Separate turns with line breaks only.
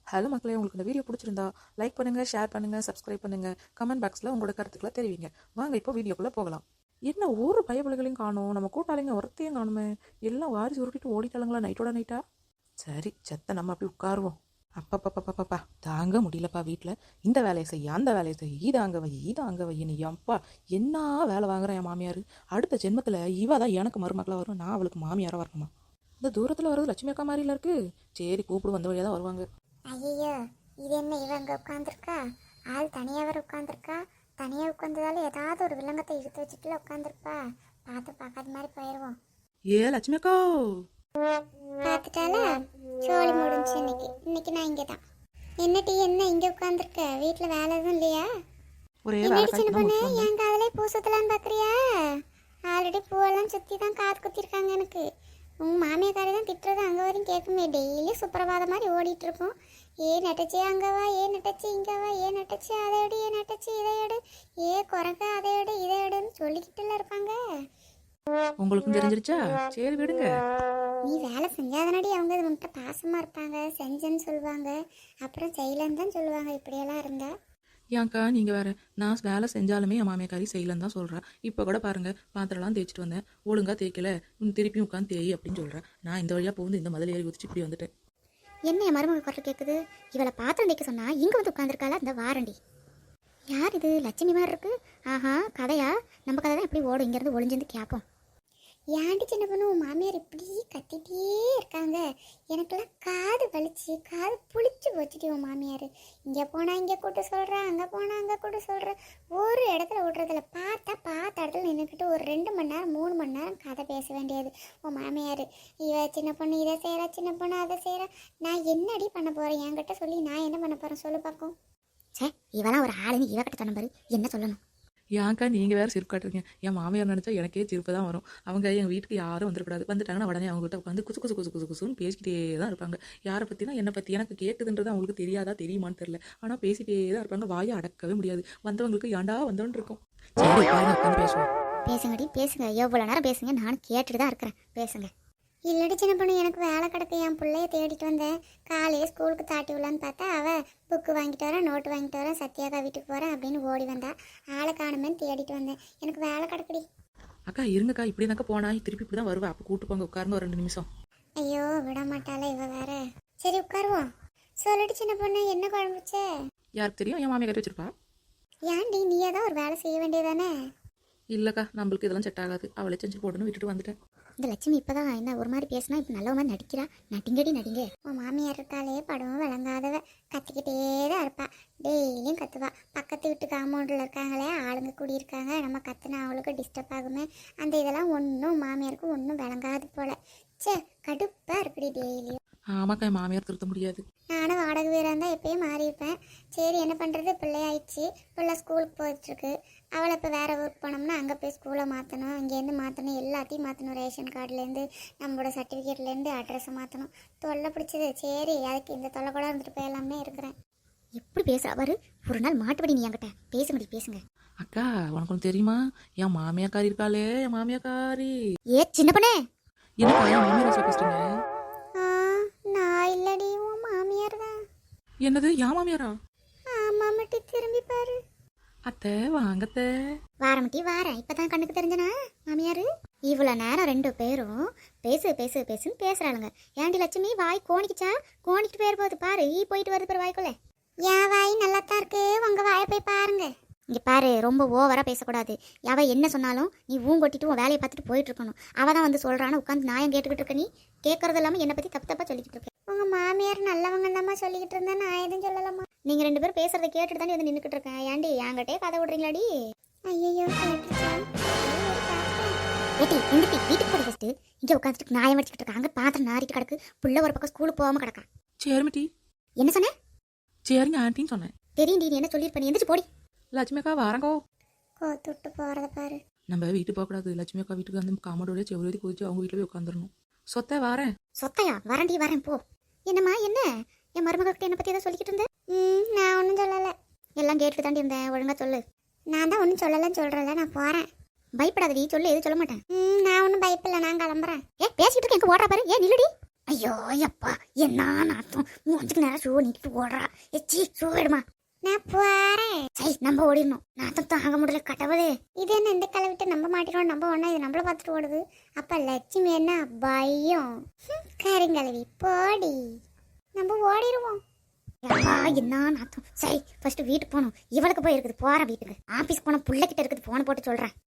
Hello மக்களே, உங்களுக்கு இந்த வீடியோ பிடிச்சிருந்தா லைக் பண்ணுங்கள், ஷேர் பண்ணுங்கள், சப்ஸ்கிரைப் பண்ணுங்கள், கமெண்ட் பாக்ஸில் உங்களோட கருத்துக்களை தெரிவிங்க. வாங்க இப்போ வீடியோக்குள்ளே போகலாம். என்ன ஒரு பயபுலைகளையும் காணும், நம்ம கூட்டாளிங்க ஒருத்தையும் காணுமே, எல்லாம் வாரி சுருட்டிட்டு ஓடிட்டாளுங்களா நைட்டோட நைட்டா. சரி செத்த நம்ம அப்படி உட்காருவோம். அப்பப்பப்பப்பப்பா தாங்க முடியலப்பா. வீட்டில் இந்த வேலையை செய்ய அந்த வேலையை செய்ய, இதை அங்கே வை இதை அங்கே வை, நீ அப்பா என்ன வேலை வாங்குறேன் என் மாமியார். அடுத்த ஜென்மத்தில் இவ தான் எனக்கு மருமக்களாக வரும், நான் அவளுக்கு மாமியாராக வரணுமா. இந்த தூரத்தில் வர்றது லட்சுமி அக்கா மாதிரில இருக்கு. சரி கூப்பிடு, வந்த வழியாக தான் வருவாங்க.
ஐயோ, இது என்ன இவ அங்கே உட்காந்துருக்கா? ஆள் தனியாக வர உட்காந்துருக்கா. தனியாக உட்காந்ததால ஏதாவது ஒரு விலங்கத்தை இழுத்து வச்சுட்டுல உட்காந்துருப்பா. பார்த்து பார்க்காத மாதிரி போயிடுவோம்.
ஏ லட்சுமி அக்கா
பார்த்துட்டால சோழி முடிஞ்சு. இன்னைக்கு நான் இங்கே தான். என்னட்டி என்ன இங்கே உட்காந்துருக்க? வீட்டில் வேலை எதுவும் இல்லையா?
ஒரே
என்னடி சின்ன பொண்ணு, என் காதலே பூ சுத்தலான்னு பார்க்குறியா? ஆல்ரெடி பூவெல்லாம் சுற்றி தான் காது குத்திருக்காங்க எனக்கு. உங்கள் மாமியாக்காரி தான் திட்டுறது அங்கே வரையும் கேட்குமே. டெய்லி சுப்பிரபாதம் மாதிரி ஓடிட்டு இருக்கோம். ஏ நட்டச்சி அங்கே வா, ஏ நட்டச்சி இங்கே வா, ஏ நட்டச்சி அதை எடு, ஏ நட்டச்சி இதை எடு, ஏ குறைக்க அதை எடு இதை எடுன்னு சொல்லிக்கிட்டுல இருப்பாங்க.
உங்களுக்கும் தெரிஞ்சிருச்சா? சரி விடுங்க.
நீ வேலை செஞ்சாதனடி அவங்க உன்கிட்ட பாசமாக இருப்பாங்க. செஞ்சேன்னு சொல்லுவாங்க, அப்புறம் செய்யலன்னு தான் சொல்லுவாங்க. இப்படியெல்லாம் இருந்தா
ஏன்க்கா நீங்கள் வேறு, நான் வேலை செஞ்சாலுமே என் மாமியாக்காரி செய்யலன்னு தான் சொல்கிறேன். இப்போ கூட பாருங்கள், பாத்திரம்லாம் தேய்ச்சிட்டு வந்தேன், ஒழுங்காக தேய்க்கல, திருப்பி உட்காந்து தேய் அப்படின்னு சொல்கிறேன். நான் இந்த வழியாக போகுது இந்த மதில் ஏறி குதிச்சு இப்படி வந்துட்டேன்.
என்ன என் மருமக குரல் கேட்குது? இவளை பாத்திரம் தேய்க்க சொன்னா இங்கே வந்து உட்காந்துருக்காளா இந்த வாரண்டி? யார் இது? லட்சுமி மாதிரி இருக்கு. ஆஹா, கதையா? நம்ம கதை தான் எப்படி ஓடும். இங்கேருந்து ஒளிஞ்சிருந்து கேட்போம். ஏன்டி சின்ன பொண்ணு, மாமியார் இப்படி கத்திட்டே இருக்காங்க. எனக்கெல்லாம் காது வலிச்சு காது புளிச்சு போச்சுட்டு உன் மாமியார். இங்கே போனால் இங்கே கூட்ட சொல்கிறேன், அங்கே போனால் அங்கே கூட்ட சொல்கிறேன். ஒரு இடத்துல விட்றதில்ல. பார்த்த இடத்துல நின்றுக்கிட்டு ஒரு 2 மணி நேரம் 3 மணி நேரம் கதை பேச வேண்டியது உன் மாமியார். இவ சின்ன பொண்ணு இதை செய்கிறா, சின்ன பொண்ணு அதை செய்கிறா. நான் என்னடி பண்ண போகிறேன்? என்கிட்ட சொல்லி நான் என்ன பண்ண போகிறேன் சொல்லு பார்க்கும். சே, இவெல்லாம் ஒரு ஆளுன்னு இவக்கிட்ட சொன்ன பாரு, என்ன சொல்லணும்?
ஏன்க்கா நீங்கள் வேறு சிரிப்பு காட்டுறீங்க? என் மாமியார் நினச்சா எனக்கே சிரிப்பு தான் வரும். அவங்க எங்கள் வீட்டுக்கு யாரும் வந்துடக்கூடாது. வந்துட்டாங்கன்னா உடனே அவங்ககிட்ட உட்காந்து குசு குசு குசு குசு குசுன்னு பேசிக்கிட்டே தான் இருப்பாங்க. யாரை பற்றினா என்னை பற்றி எனக்கு கேட்டுதுன்றது அவங்களுக்கு தெரியாதா தெரியுமான்னு தெரில. ஆனால் பேசிகிட்டே தான் இருப்பாங்க. வாயை அடக்கவே முடியாது. வந்தவங்களுக்கு ஏண்டா வந்தோன்னு இருக்கும். சரி உட்காந்து பேசுவோம்.
பேசுங்கடி பேசுங்க, எவ்வளோ நேரம் பேசுங்க, நானும் கேட்டுட்டு தான் இருக்கிறேன். பேசுங்க. இல்லடி சின்ன பொண்ணு, எனக்கு வேலை கிடக்கு. என் பிள்ளைய தேடிட்டு வந்தேன். காலையே ஸ்கூலுக்கு தாட்டி விடலான்னு பார்த்தா அவள் புக்கு வாங்கிட்டு வரேன், நோட்டு வாங்கிட்டு வரேன், சத்யாக்கா வீட்டுக்கு போகிறேன் அப்படின்னு ஓடி வந்தா. ஆளை காணுமேன்னு தேடிட்டு வந்தேன். எனக்கு வேலை கிடக்குடி.
அக்கா இருங்கக்கா, இப்படி தாக்கா போனா திருப்பி இப்படி தான் வருவேன். அப்போ கூட்டு போங்க, உட்காருங்க ஒரு 2 நிமிஷம்.
ஐயோ, விட மாட்டாள இவ வேற. சரி உட்காருவோம். சொல்லடி சின்ன பொண்ணு, என்ன குழம்புச்ச?
யாருக்கு தெரியும்? என் மாமியார் கட்டி வச்சிருப்பா.
ஏன்டி நீயே தான் ஒரு வேலை செய்ய வேண்டியதானே?
இல்லைக்கா, நம்மளுக்கு இதெல்லாம் செட் ஆகாது. அவளே செஞ்சு போட்டுன்னு விட்டுட்டு வந்துட்டேன்.
இந்த லட்சுமி இப்போதான் என்ன ஒரு மாதிரி பேசினா இப்போ நல்ல மாதிரி நடிக்கிறா. நடிங்கடி நடிங்க. உன் மாமியார் இருக்காளே படம் விளங்காதவ. கத்திக்கிட்டே தான் இருப்பா. டெய்லியும் கத்துவா. பக்கத்து வீட்டு காம்பவுண்டில் இருக்காங்களே ஆளுங்க கூடியிருக்காங்க, நம்ம கத்துனா அவளுக்கு டிஸ்டர்ப் ஆகுமே. அந்த இதெல்லாம் ஒன்றும் மாமியாருக்கு ஒன்றும் விளங்காது போல. சே, கடுப்பாக இருக்குடி டெய்லியும்.
ஆமாக்கா, என் மாமியார் திருத்த முடியாது.
நானும் வாடகை வீராக இருந்தால் எப்பயும் மாறியிருப்பேன். சரி என்ன பண்ணுறது, பிள்ளையாயிடுச்சு. பிள்ளை ஸ்கூலுக்கு போயிட்டுருக்கு. அவளை இப்போ வேறு ஊருக்கு போனோம்னா அங்கே போய் ஸ்கூலை மாற்றணும், இங்கேருந்து மாற்றணும், எல்லாத்தையும் மாற்றணும். ரேஷன் கார்டுலேருந்து நம்மளோட சர்டிஃபிகேட்லேருந்து அட்ரஸை மாற்றணும். தொல்லை பிடிச்சது. சரி அதுக்கு இந்த தொல்லை கூட இருந்துட்டு போயலாமே இருக்கிறேன். எப்படி பேசுகிறா பாரு. ஒரு நாள் மாட்டுபடி நீ என்கிட்ட பேசுங்கடி பேசுங்க.
அக்கா உனக்கு ஒன்று தெரியுமா? என் மாமியாக்காரி இருக்காளே, என் மாமியாக்காரி.
ஏ சின்ன பொண்ணே,
எனக்கு என் மாமியார் பேசுறீங்க?
நான் இல்லடி, உன் மாமியார் தான்.
என்னது என் மாமியாரா?
ஆமா மட்டி, திரும்பி பாரு.
அத்தை வாங்கத்த.
வாரமட்டி வாரேன். இப்பதான் கண்ணுக்கு தெரிஞ்சனா மாமியாரு? இவ்வளோ நேரம் 2 பேரும் பேசு பேசு பேசுன்னு பேசுறாளுங்க. ஏண்டி லட்சுமி, வாய் கோணிக்குச்சா? கோணிக்கிட்டு பேர் போகுது பாரு. போயிட்டு வருது பாரு வாய்க்குள்ள. என் வாய் நல்லா தான் இருக்கு, உங்க வாயை போய் பாருங்க. இங்கே பாரு, ரொம்ப ஓவராக பேசக்கூடாது. அவ என்ன சொன்னாலும் நீ கொட்டிட்டு உன் வேலையை பார்த்துட்டு போயிட்டு இருக்கணும். அவள் தான் வந்து சொல்கிறான்னு உட்காந்து நியாயம் கேட்டுக்கிட்டு இருக்க. நீ கேட்கறது இல்லாமல் என்னை பற்றி தப்பு தப்பாக சொல்லிக்கிட்டு இருக்க. உங்கள் மாமியார் நல்லவங்க தாம்மா சொல்லிக்கிட்டு இருந்தேன், நான் எதுவும் சொல்லலாமா? நீங்கள் 2 பேரும் பேசுறதை கேட்டுட்டு தானே வந்து நின்றுக்கிட்டு இருக்கேன். ஏன்டி என்கிட்டே கதை விடுறீங்களாடி? ஐயோ, ஏட்டி நின்றுட்டி வீட்டுக்கு போய் ஃபஸ்ட்டு. இங்கே உட்காந்துட்டு நியாயம் வச்சுக்கிட்டு இருக்காங்க. பாத்திரம் நாரிட்டு கிடக்கு. புள்ள ஒரு பக்கம் ஸ்கூலுக்கு போகாமல் கிடக்கா.
சரிமிட்டி.
என்ன சொன்னேன்?
சரிங்க ஆண்டின்னு சொன்னேன்.
தெரியும் நீ என்ன சொல்லியிருப்ப. எந்திரிச்சு போடி.
லட்சுமி அக்கா வாரங்கோ.
கோத்துட்டு போகிறத பாரு.
நம்ம வீட்டுக்கு போகக்கூடாது. லட்சுமி அக்கா வீட்டுக்கு வந்து காமடோட செவ்வளி குதிச்சு அவங்க வீட்டில் போய் உட்காந்துடணும். சொத்தை வாரேன்.
சொத்தையா? வரண்டி வரேன் போ. என்னம்மா என்ன? என் மருமகிட்ட என்னை பற்றி எதாவது சொல்லிக்கிட்டு இருந்தேன். நான் ஒன்றும் சொல்லலை. எல்லாம் கேட்டுட்டு தாண்டி இருந்தேன். ஒழுங்காக சொல்லு. நான் தான் ஒன்றும் சொல்லலைன்னு சொல்கிறேன்ல, நான் போகிறேன். பயப்படாதடி, சொல்லு. எதுவும் சொல்ல மாட்டேன். நான் ஒன்றும் பயப்பில்லை, நான் கிளம்புறேன். பேசிக்கிட்டு இருக்க எங்கே ஓடுற பாரு. நில்லுடி. ஐயோ எப்பா என்ன நாத்தம் மூஞ்சுக்கு நேரம் ஷூ நீக்கிட்டு ஓடுறா எச்சி ஷூ எடுமா நான் போறேன் சரி நம்ம ஓடிடணும் நாத்தம் தாங்க முடியல கடவுளே இது என்ன இந்த கிளவிட்டு நம்ம மாட்டிடுவோம் நம்ம ஒண்ணா இது நம்மள பார்த்துட்டு ஓடுது அப்ப லட்சுமி என்ன பயம் கருங்கலவி போடி நம்ம ஓடிடுவோம் அப்பா என்ன நாத்தம் சரி ஃபர்ஸ்ட் வீட்டுக்கு போகணும் இவளுக்கு போய் இருக்குது போற வீட்டுக்கு ஆபீஸ் போன புள்ளைகிட்ட இருக்குது போன போட்டு சொல்றேன்